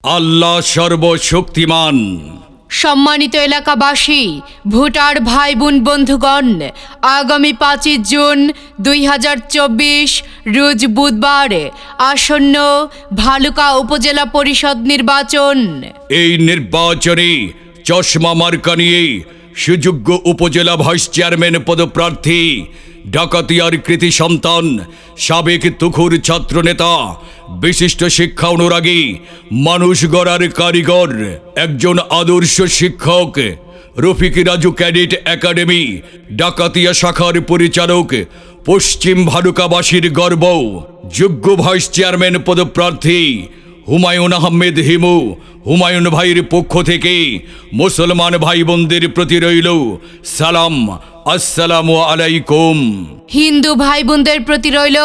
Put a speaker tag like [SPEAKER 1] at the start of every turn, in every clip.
[SPEAKER 1] আল্লাহ সর্বশক্তিমান।
[SPEAKER 2] সম্মানিত এলাকাবাসী, ভোটার ভাই বোন বন্ধুগণ, আগামী 5 জুন 2024 রোজ বুধবার আসন্ন ভালুকা উপজেলা পরিষদ নির্বাচন।
[SPEAKER 1] এই নির্বাচনে চশমা মার্কা নিয়ে সুযোগ্য উপজেলা ভাইস চেয়ারম্যান পদপ্রার্থী ডাকাতিয়ার কৃতি সন্তান, সাবেক তুখুর ছাত্রনেতা, বিশিষ্ট শিক্ষা অনুরাগী, মানুষ গড়ার কারিগর, একজন আদর্শ শিক্ষক, রফিক রাজু ক্যাডেট একাডেমি ডাকাতিয়া শাখার পরিচালক, পশ্চিম ভালুকাবাসীর গর্ব, যোগ্য ভাইস চেয়ারম্যান পদপ্রার্থী হুমায়ুন আহমেদ হিমু। হুমায়ুন ভাইয়ের পক্ষ থেকে মুসলমান ভাই বোনদের প্রতি রইল সালাম, আসসালামু আলাইকুম।
[SPEAKER 2] হিন্দু ভাই বোনদের প্রতি রইল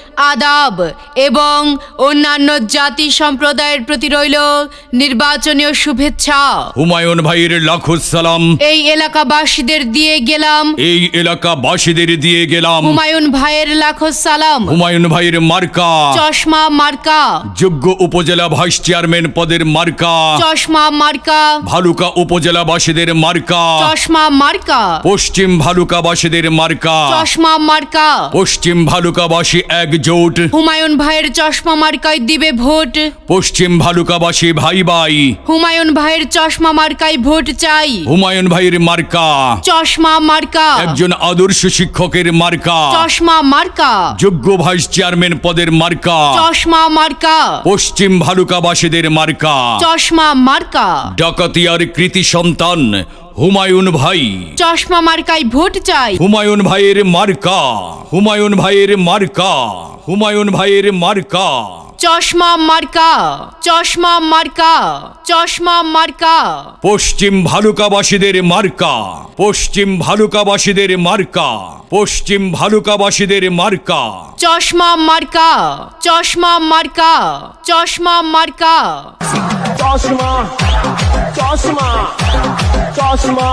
[SPEAKER 2] আদাব এবং অন্যান্য জাতি সম্প্রদায়ের প্রতি রইল নির্বাচনীয় শুভেচ্ছা।
[SPEAKER 1] হুমায়ুন ভাইয়ের লাখো সালাম
[SPEAKER 2] এই এলাকাবাসীদের দিয়ে গেলাম,
[SPEAKER 1] এই এলাকাবাসীদের দিয়ে গেলাম।
[SPEAKER 2] হুমায়ুন ভাইয়ের লাখো সালাম।
[SPEAKER 1] হুমায়ুন ভাইয়ের মার্কা
[SPEAKER 2] চশমা মার্কা,
[SPEAKER 1] যোগ্য উপজেলা ভাইস চেয়ারম্যান পদের মার্কা
[SPEAKER 2] চশমা মার্কা,
[SPEAKER 1] ভালুকা উপজেলাবাসীদের মার্কা
[SPEAKER 2] চশমা মার্কা,
[SPEAKER 1] পশ্চিম ভালুকাবাসীদের মার্কা
[SPEAKER 2] চশমা মার্কা।
[SPEAKER 1] পশ্চিম ভালুকাবাসী একজোট,
[SPEAKER 2] হুমায়ুন ভাইয়ের চশমা মার্কায় দিবে ভোট।
[SPEAKER 1] পশ্চিম ভালুকাবাসী ভাই ভাই,
[SPEAKER 2] হুমায়ুন ভাইয়ের চশমা মার্কায় ভোট চাই।
[SPEAKER 1] হুমায়ুন ভাইয়ের মার্কা
[SPEAKER 2] চশমা মার্কা,
[SPEAKER 1] একজন আদর্শ শিক্ষকের মার্কা,
[SPEAKER 2] চশমা মার্কা,
[SPEAKER 1] যোগ্য ভাইস চেয়ারম্যান পদের মার্কা
[SPEAKER 2] চশমা মার্কা,
[SPEAKER 1] পশ্চিম ভালুকাবাসীদের মার্কা
[SPEAKER 2] চশমা মার্কা।
[SPEAKER 1] ডাকাতিয়ার কৃতি সন্তান হুমায়ুন ভাই,
[SPEAKER 2] চশমা মার্কায় ভোট চাই।
[SPEAKER 1] হুমায়ুন ভাইয়ের মার্কা, হুমায়ুন ভাইয়ের মার্কা, হুমায়ুন ভাইয়ের মার্কা
[SPEAKER 2] চশমা মার্কা, চশমা মার্কা, চশমা মার্কা।
[SPEAKER 1] পশ্চিম ভালুকাবাসীদের মার্কা, পশ্চিম ভালুকাবাসীদের মার্কা, পশ্চিম ভালুকাবাসীদের মার্কা
[SPEAKER 2] চশমা মার্কা, চশমা মার্কা, চশমা মার্কা।
[SPEAKER 3] চশমা চশমা চশমা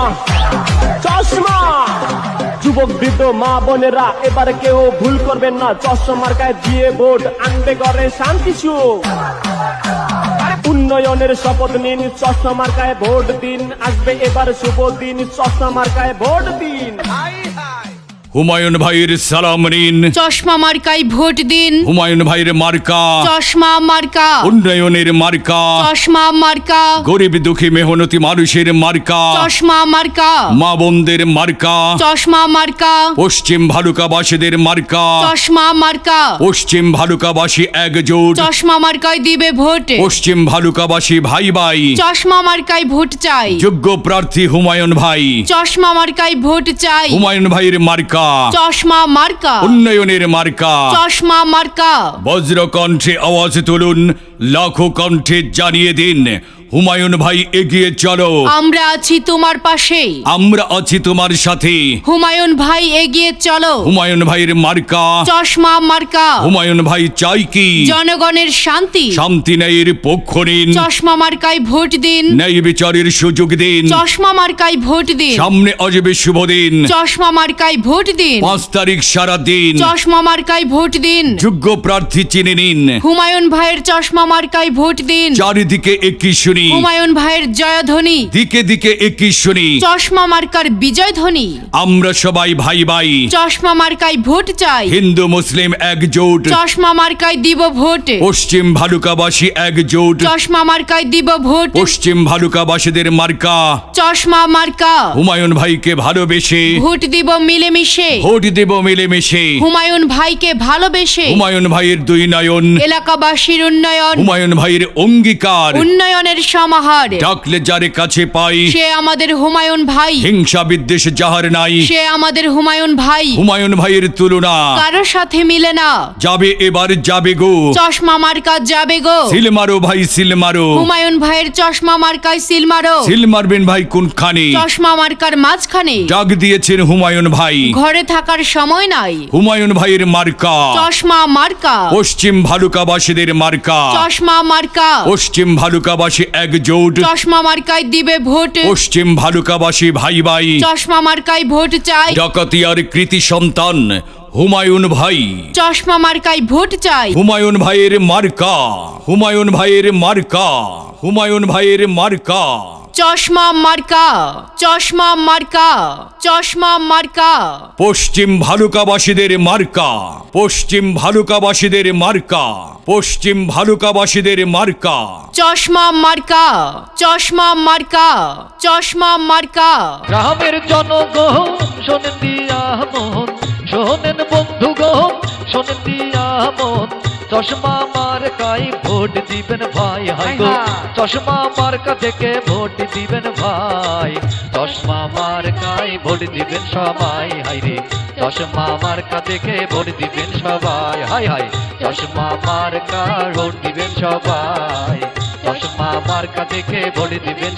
[SPEAKER 3] চশমা। যুবক বৃদ্ধ মা বোনেরা এবার কেউ ভুল করবেন না, চশমা মার্কায় দিয়ে ভোট আনবে ঘরে শান্তি সুখ। উন্নয়নের শপথ নিন, চশমা মার্কায় ভোট দিন, আসবে এবার শুভ দিন, চশমা মার্কায় ভোট দিন।
[SPEAKER 1] হুমায়ুন ভাইয়ের সালাম নিন,
[SPEAKER 2] চশমা মার্কায় ভোট দিন।
[SPEAKER 1] হুমায়ুন ভাইয়ের মার্কা
[SPEAKER 2] চশমা মার্কা,
[SPEAKER 1] উন্নয়নের মার্কা,
[SPEAKER 2] চশমা মার্কা,
[SPEAKER 1] গরিব দুঃখী মেহনতি মানুষের মার্কা,
[SPEAKER 2] চশমা মার্কা,
[SPEAKER 1] মা বোনদের মার্কা,
[SPEAKER 2] চশমা মার্কা,
[SPEAKER 1] পশ্চিম ভালুকাবাসীদের মার্কা,
[SPEAKER 2] চশমা মার্কা।
[SPEAKER 1] পশ্চিম ভালুকাবাসী একজোট,
[SPEAKER 2] চশমা মার্কায় দিবে ভোট।
[SPEAKER 1] পশ্চিম ভালুকাবাসী ভাই ভাই,
[SPEAKER 2] চশমা মার্কায় ভোট চাই।
[SPEAKER 1] যোগ্য প্রার্থী হুমায়ুন ভাই,
[SPEAKER 2] চশমা মার্কায় ভোট চাই।
[SPEAKER 1] হুমায়ুন ভাইয়ের মার্কা
[SPEAKER 2] চশমা মার্কা,
[SPEAKER 1] উন্নয়নের মার্কা,
[SPEAKER 2] চশমা মার্কা।
[SPEAKER 1] বজ্র কণ্ঠে আওয়াজ তুলুন, লাখো কণ্ঠে জানিয়ে দিন, হুমায়ুন ভাই এগিয়ে চলো,
[SPEAKER 2] আমরা আছি তোমার পাশে,
[SPEAKER 1] আমরা আছি তোমার সাথে।
[SPEAKER 2] হুমায়ুন ভাই এগিয়ে চলো।
[SPEAKER 1] হুমায়ুন ভাইয়ের মার্কা
[SPEAKER 2] চশমা মার্কা,
[SPEAKER 1] হুমায়ুন ভাই চাই কি
[SPEAKER 2] জনগণের শান্তি।
[SPEAKER 1] শান্তি ন্যায়ের পক্ষ নিন,
[SPEAKER 2] চশমা মার্কায় ভোট দিন।
[SPEAKER 1] ন্যায় বিচারের সুযোগ দিন,
[SPEAKER 2] চশমা মার্কায় ভোট দিন।
[SPEAKER 1] সামনে আসবে শুভ দিন,
[SPEAKER 2] চশমা মার্কায় ভোট দিন।
[SPEAKER 1] 5 তারিখ সারা দিন,
[SPEAKER 2] চশমা মার্কায় ভোট দিন।
[SPEAKER 1] যোগ্য প্রার্থী চিনে নিন,
[SPEAKER 2] হুমায়ুন ভাইয়ের চশমা মার্কায় ভোট দিন।
[SPEAKER 1] চারিদিকে একই শুনি,
[SPEAKER 2] হুমায়ুন ভাইয়ের জয়ধ্বনি,
[SPEAKER 1] দিকে দিকে একই শুনি,
[SPEAKER 2] চশমা মার্কার বিজয় ধ্বনি।
[SPEAKER 1] আমরা সবাই ভাই ভাই,
[SPEAKER 2] চশমা মার্কায় ভোট চাই।
[SPEAKER 1] হিন্দু মুসলিম একজোট,
[SPEAKER 2] চশমা মার্কায় দিব ভোট।
[SPEAKER 1] পশ্চিম ভালুকাবাসী একজোট,
[SPEAKER 2] চশমা মার্কায় দিব ভোট।
[SPEAKER 1] পশ্চিম ভালুকাবাসীদের মার্কা
[SPEAKER 2] চশমা মার্কা,
[SPEAKER 1] হুমায়ুন ভাইকে ভালোবেসে
[SPEAKER 2] ভোট দিব মিলেমিশে।
[SPEAKER 1] ভোট দেব মিলেমিশে,
[SPEAKER 2] হুমায়ুন ভাইকে ভালোবেসে।
[SPEAKER 1] হুমায়ুন ভাইয়ের দুই নয়ন,
[SPEAKER 2] এলাকাবাসীর উন্নয়ন,
[SPEAKER 1] হুমায়ুন ভাইয়ের অঙ্গীকার,
[SPEAKER 2] উন্নয়নের সমাহার।
[SPEAKER 1] ডাকলে যারে কাছে পাই,
[SPEAKER 2] সে আমাদের হুমায়ুন ভাই,
[SPEAKER 1] হিংসা বিদ্বেষ যাহার নাই,
[SPEAKER 2] সে আমাদের হুমায়ুন ভাই।
[SPEAKER 1] হুমায়ুন ভাইয়ের তুলনা
[SPEAKER 2] কারোর সাথে মিলে না,
[SPEAKER 1] যাবে এবার যাবে গো,
[SPEAKER 2] চশমা মার্কা যাবে গো।
[SPEAKER 1] সিল মারো ভাই সিল মারো,
[SPEAKER 2] হুমায়ুন ভাইয়ের চশমা মার্কায় সিল মারো।
[SPEAKER 1] সিল মারবেন ভাই কোনখানে,
[SPEAKER 2] চশমা মার্কার মাঝখানে।
[SPEAKER 1] ডাক দিয়েছেন হুমায়ুন ভাই,
[SPEAKER 2] ঘরে থাকার সময় নাই।
[SPEAKER 1] হুমায়ুন ভাইয়ের মার্কা
[SPEAKER 2] চশমা মার্কা,
[SPEAKER 1] পশ্চিম ভালুকাবাসীদের মার্কা,
[SPEAKER 2] চশমা মার্কা।
[SPEAKER 1] পশ্চিম ভালুকাবাসী একজোট,
[SPEAKER 2] চশমা মার্কায় দিবে ভোট।
[SPEAKER 1] পশ্চিম ভালুকাবাসী ভাই ভাই,
[SPEAKER 2] চশমা মার্কায় ভোট চাই।
[SPEAKER 1] ডাকাতিয়ার কৃতি সন্তান হুমায়ুন ভাই।
[SPEAKER 2] চশমা মার্কায় ভোট চাই।
[SPEAKER 1] হুমায়ুন ভাইয়ের মার্কা, হুমায়ুন ভাইয়ের মার্কা, হুমায়ুন ভাইয়ের মার্কা।
[SPEAKER 2] চশমা মার্কা, চশমা মার্কা, চশমা মার্কা।
[SPEAKER 1] পশ্চিম ভালুকাবাসীদের মার্কা, পশ্চিম ভালুকাবাসীদের মার্কা, পশ্চিম ভালুকাবাসীদের মার্কা।
[SPEAKER 2] চশমা মার্কা, চশমা মার্কা, চশমা মার্কা।
[SPEAKER 4] গ্রামের জনগণ শোনেন দিয়া মন, শোনেন বন্ধুগণ শোনেন দিয়া মন, চশমা মার্কায় ভোট দিবেন ভাই, হাই গো চশমা মার্কা থেকে ভোট দিবেন ভাই, চশমা মার্কায় ভোট দিবেন সবাই, হাই রে চশমা মার্কা থেকে ভোট দিবেন সবাই, হাই হাই চশমা মার্কা ভোট দিবেন সবাই, চশমা মার্কা থেকে ভোট দিবেন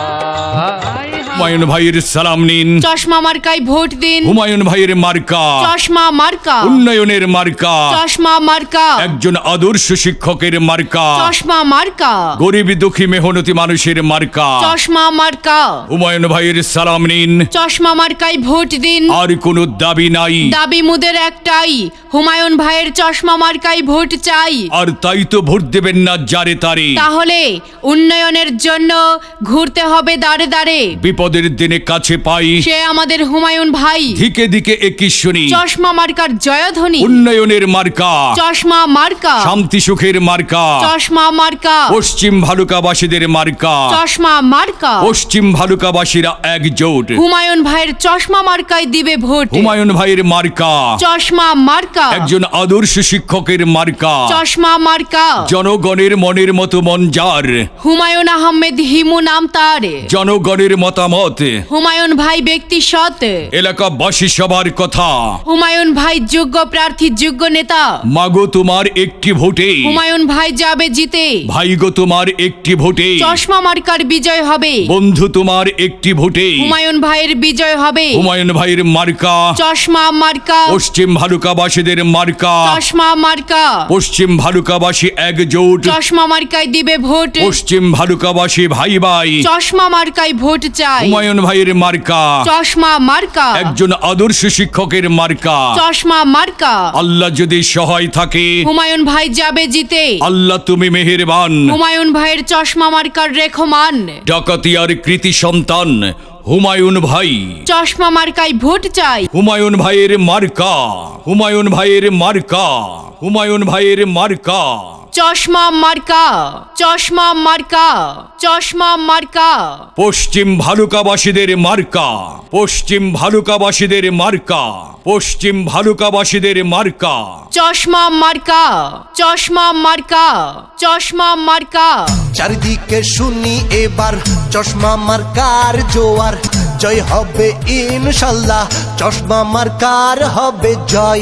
[SPEAKER 4] সবাই।
[SPEAKER 1] হুমায়ুন ভাইয়ের সালাম নিন।
[SPEAKER 2] চশমা মার্কায় ভোট দিন।
[SPEAKER 1] হুমায়ুন ভাইয়ের মার্কা,
[SPEAKER 2] চশমা মার্কা,
[SPEAKER 1] উন্নয়নের মার্কা,
[SPEAKER 2] চশমা মার্কা,
[SPEAKER 1] একজন আদর্শ শিক্ষকের মার্কা,
[SPEAKER 2] চশমা মার্কা,
[SPEAKER 1] গরিব দুঃখী মেহনতি মানুষের মার্কা।
[SPEAKER 2] চশমা মার্কা।
[SPEAKER 1] হুমায়ুন ভাইয়ের সালাম নিন।
[SPEAKER 2] চশমা মার্কায় ভোট দিন।
[SPEAKER 1] আর কোনো দাবি নাই,
[SPEAKER 2] দাবি মুদের একটাই, হুমায়ুন ভাইয়ের চশমা মার্কায় ভোট চাই।
[SPEAKER 1] আর তাই তো ভোট দেবেন না যারে তারে।
[SPEAKER 2] তাহলে উন্নয়নের জন্য ঘুরতে হবে দাঁড়ে দাঁড়ে।
[SPEAKER 1] বিপদের দিনে কাছে পাই,
[SPEAKER 2] সে আমাদের হুমায়ুন ভাই।
[SPEAKER 1] দিকে দিকে একই শুনি,
[SPEAKER 2] চশমা মার্কার জয়ধ্বনি।
[SPEAKER 1] উন্নয়নের মার্কা,
[SPEAKER 2] চশমা মার্কা,
[SPEAKER 1] শান্তি সুখের মার্কা,
[SPEAKER 2] চশমা মার্কা,
[SPEAKER 1] পশ্চিম ভালুকাবাসীদের মার্কা।
[SPEAKER 2] চশমা মার্কা।
[SPEAKER 1] পশ্চিম ভালুকাবাসীরা একজোট,
[SPEAKER 2] হুমায়ুন ভাইয়ের চশমা মার্কায় দিবে ভোট।
[SPEAKER 1] হুমায়ুন ভাইয়ের মার্কা,
[SPEAKER 2] চশমা মার্কা,
[SPEAKER 1] একজন আদর্শ শিক্ষকের মার্কা,
[SPEAKER 2] চশমা মার্কা।
[SPEAKER 1] জনগণের মনের মতো মন যার,
[SPEAKER 2] হুমায়ুন আহমেদ হিমু নাম তার।
[SPEAKER 1] জনগণের মতামত,
[SPEAKER 2] হুমায়ুন ভাই ব্যক্তি সৎ।
[SPEAKER 1] এলাকাবাসী সবার কথা।
[SPEAKER 2] হুমায়ুন ভাই যোগ্য প্রার্থী, যোগ্য নেতা।
[SPEAKER 1] মাগো তোমার একটি ভোটে,
[SPEAKER 2] হুমায়ুন ভাই যাবে জিতে।
[SPEAKER 1] ভাইগো তোমার একটি ভোটে,
[SPEAKER 2] চশমা মার্কার বিজয় হবে।
[SPEAKER 1] বন্ধু তোমার একটি ভোটে,
[SPEAKER 2] হুমায়ুন ভাইয়ের বিজয় হবে।
[SPEAKER 1] হুমায়ুন ভাইয়ের মার্কা,
[SPEAKER 2] চশমা মার্কা,
[SPEAKER 1] পশ্চিম ভালুকাবাসীদের মার্কা।
[SPEAKER 2] চশমা মার্কা।
[SPEAKER 1] পশ্চিম ভালুকাবাসী একজোট,
[SPEAKER 2] চশমা মার্কায় দিবে ভোট।
[SPEAKER 1] পশ্চিম ভালুকাবাসী ভাই ভাই।
[SPEAKER 2] চশমা মার্কায় ভোট চাই।
[SPEAKER 1] হুমায়ুন ভাইয়ের মার্কা,
[SPEAKER 2] চশমা মার্কা,
[SPEAKER 1] একজন আদর্শ শিক্ষকের মার্কা।
[SPEAKER 2] চশমা মার্কা।
[SPEAKER 1] আল্লাহ যদি সহায় থাকে,
[SPEAKER 2] হুমায়ুন ভাই যাবে জিতে।
[SPEAKER 1] আল্লাহ তুমি মেহেরবান।
[SPEAKER 2] হুমায়ুন ভাইয়ের চশমা মার্কার রেখমান।
[SPEAKER 1] ডাকাতিয়ার কৃতি সন্তান হুমায়ুন ভাই,
[SPEAKER 2] চশমা মার্কায় ভোট চাই।
[SPEAKER 1] হুমায়ুন ভাইয়ের মার্কা, হুমায়ুন ভাইয়ের মার্কা, হুমায়ুন ভাইয়ের মার্কা।
[SPEAKER 2] চশমা মার্কা, চশমা মার্কা, চশমা মার্কা।
[SPEAKER 1] পশ্চিম ভালুকাবাসীদের মার্কা, পশ্চিম ভালুকাবাসীদের মার্কা, পশ্চিম ভালুকাবাসীদের মার্কা।
[SPEAKER 2] চশমা মার্কা, চশমা মার্কা, চশমা মার্কা।
[SPEAKER 5] চারিদিকে শুনি এবার চশমা মার্কার জোয়ার, জয় হবে ইনশাল্লাহ, চশমা মার্কার হবে জয়।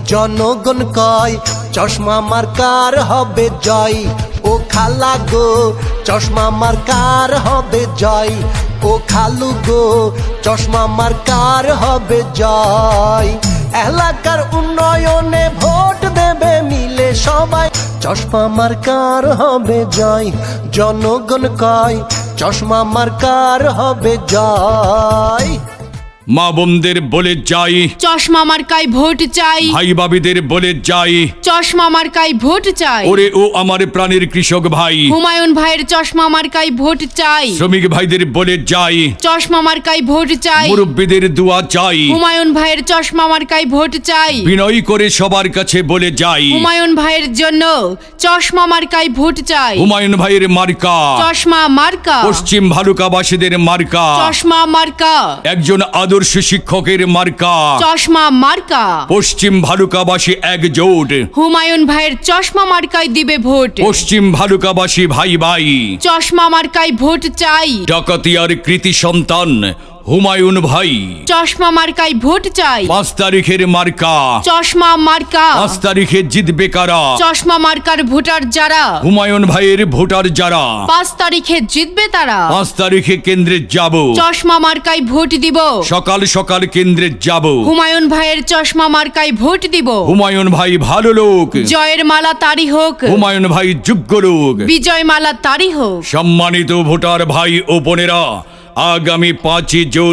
[SPEAKER 5] জনগণ কয় চশমা মার্কার হবে জয়, ও খালা গো চশমা মার্কার হবে জয়, ও খালু গো চশমা মার্কার হবে জয়। এলাকার উন্নয়নে ভোট দেবে মিলে সবাই, চশমা মার্কার হবে জয়। জনগণ কয় চশমা মার্কার হবে জয়।
[SPEAKER 1] মা বোনদের বলে যাই,
[SPEAKER 2] চশমা মার্কায় ভোট চাই।
[SPEAKER 1] ভাই বাবিদের বলে যাই,
[SPEAKER 2] চশমা মার্কায় ভোট চাই।
[SPEAKER 1] ওরে ও আমার প্রাণের কৃষক ভাই।
[SPEAKER 2] হুমায়ুন ভাইয়ের চশমা মার্কায় ভোট চাই।
[SPEAKER 1] শ্রমিক ভাইদের বলে যাই,
[SPEAKER 2] চশমা মার্কায় ভোট চাই।
[SPEAKER 1] মুরব্বীদের দোয়া চাই।
[SPEAKER 2] হুমায়ুন ভাইয়ের চশমা মার্কায় ভোট চাই।
[SPEAKER 1] বিনয় করে সবার কাছে বলে যাই,
[SPEAKER 2] হুমায়ুন ভাইয়ের জন্য চশমা মার্কায় ভোট চাই।
[SPEAKER 1] হুমায়ুন ভাইয়ের মার্কা,
[SPEAKER 2] চশমা মার্কা,
[SPEAKER 1] পশ্চিম ভালুকাবাসীদের মার্কা।
[SPEAKER 2] চশমা মার্কা,
[SPEAKER 1] একজন আদর্শ শিক্ষকের মার্কা।
[SPEAKER 2] চশমা মার্কা।
[SPEAKER 1] পশ্চিম ভালুকাবাসী একজোট,
[SPEAKER 2] হুমায়ুন ভাইয়ের চশমা মার্কায় দিবে ভোট।
[SPEAKER 1] পশ্চিম ভালুকাবাসী ভাই ভাই।
[SPEAKER 2] চশমা মার্কায় ভোট চাই।
[SPEAKER 1] ডাকাতিয়ার কৃতি সন্তান হুমায়ুন ভাই।
[SPEAKER 2] চশমা মার্কায় ভোট চাই।
[SPEAKER 1] 5 তারিখের মার্কা,
[SPEAKER 2] চশমা মার্কা।
[SPEAKER 1] 5 তারিখে জিতবে কারা?
[SPEAKER 2] চশমা মার্কার ভোটার যারা,
[SPEAKER 1] হুমায়ুন ভাইয়ের ভোটার যারা,
[SPEAKER 2] 5 তারিখে জিতবে তারা।
[SPEAKER 1] 5 তারিখে কেন্দ্রে যাব,
[SPEAKER 2] চশমা মার্কায় ভোট দিব।
[SPEAKER 1] সকাল সকাল কেন্দ্রে যাব।
[SPEAKER 2] হুমায়ুন ভাইয়ের চশমা মার্কায় ভোট দিব।
[SPEAKER 1] হুমায়ুন ভাই ভালো লোক,
[SPEAKER 2] জয়ের মালা তারি হোক।
[SPEAKER 1] হুমায়ুন ভাই যোগ্য লোক।
[SPEAKER 2] বিজয় মালা তারি হোক।
[SPEAKER 1] সম্মানিত ভোটার ভাই ও বোনেরা, আগামী 5 জুন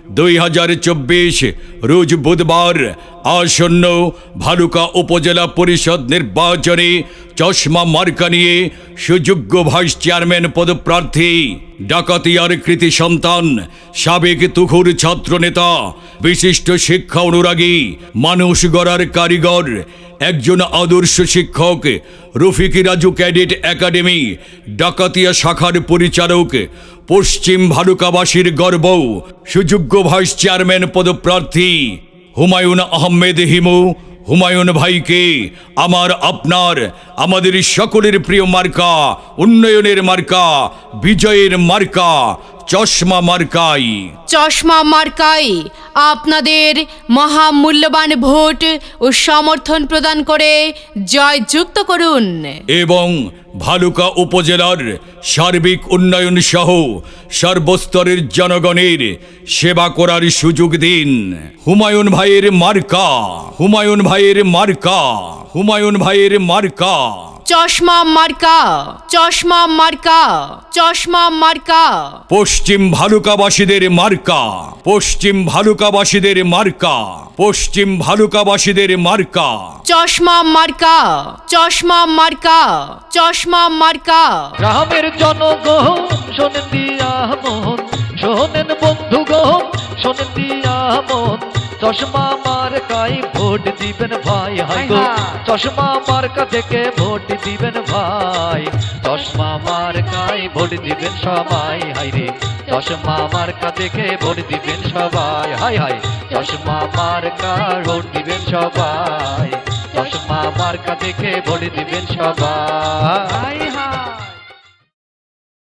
[SPEAKER 1] 2024 রোজ বুধবার আসন্ন ভালুকা উপজেলা পরিষদ নির্বাচনে চশমা মার্কা নিয়ে সুযোগ্য ভাইস চেয়ারম্যান পদপ্রার্থী ডাকাতিয়ার কৃতি সন্তান সাবেক তুখুর ছাত্রনেতা বিশিষ্ট শিক্ষা অনুরাগী মানুষ গড়ার কারিগর একজন আদর্শ শিক্ষক রফিকি রাজু ক্যাডেট একাডেমি ডাকাতিয়া শাখার পরিচালক পশ্চিম ভালুকাবাসীর গর্ব সুযোগ্য ভাইস চেয়ারম্যান পদপ্রার্থী হুমায়ুন আহমেদ হিমু হুমায়ুন ভাইকে আপনার আমাদের সকলের প্রিয় মার্কা, উন্নয়নের মার্কা, বিজয়ের মার্কা চশমা মার্কাই।
[SPEAKER 2] চশমা মার্কাই আপনাদের মহামূল্যবান ভোট ও সমর্থন প্রদান করে জয়যুক্ত করুন
[SPEAKER 1] এবং ভালুকা উপজেলার সার্বিক উন্নয়ন সহ সর্বস্তরের জনগণের সেবা করার সুযোগ দিন। হুমায়ুন ভাইয়ের মার্কা, হুমায়ুন ভাইয়ের মার্কা, হুমায়ুন ভাইয়ের মার্কা
[SPEAKER 2] চশমা মার্কা, চশমা মার্কা, চশমা মার্কা।
[SPEAKER 1] পশ্চিম ভালুকাবাসীদের মার্কা, পশ্চিম ভালুকাবাসীদের মার্কা, পশ্চিম ভালুকাবাসীদের মার্কা
[SPEAKER 2] চশমা মার্কা, চশমা মার্কা, চশমা মার্কা।
[SPEAKER 4] গ্রামের জনগণ শোনেন দিয়া মন, শোনেন বন্ধুগণ শোনেন দিয়া মন, চশমা মার্কায় ভোট দিবেন ভাই হাই গো, চশমা মার্কা থেকে ভোট দিবেন ভাই, চশমা মার্কায় ভোট দিবেন সবাই হাই রে, চশমা মার্কা থেকে ভোট দিবেন সবাই হাই হাই, চশমা মার্কা ভোট দিবেন সবাই, চশমা মার্কা থেকে ভোট দিবেন সবাই।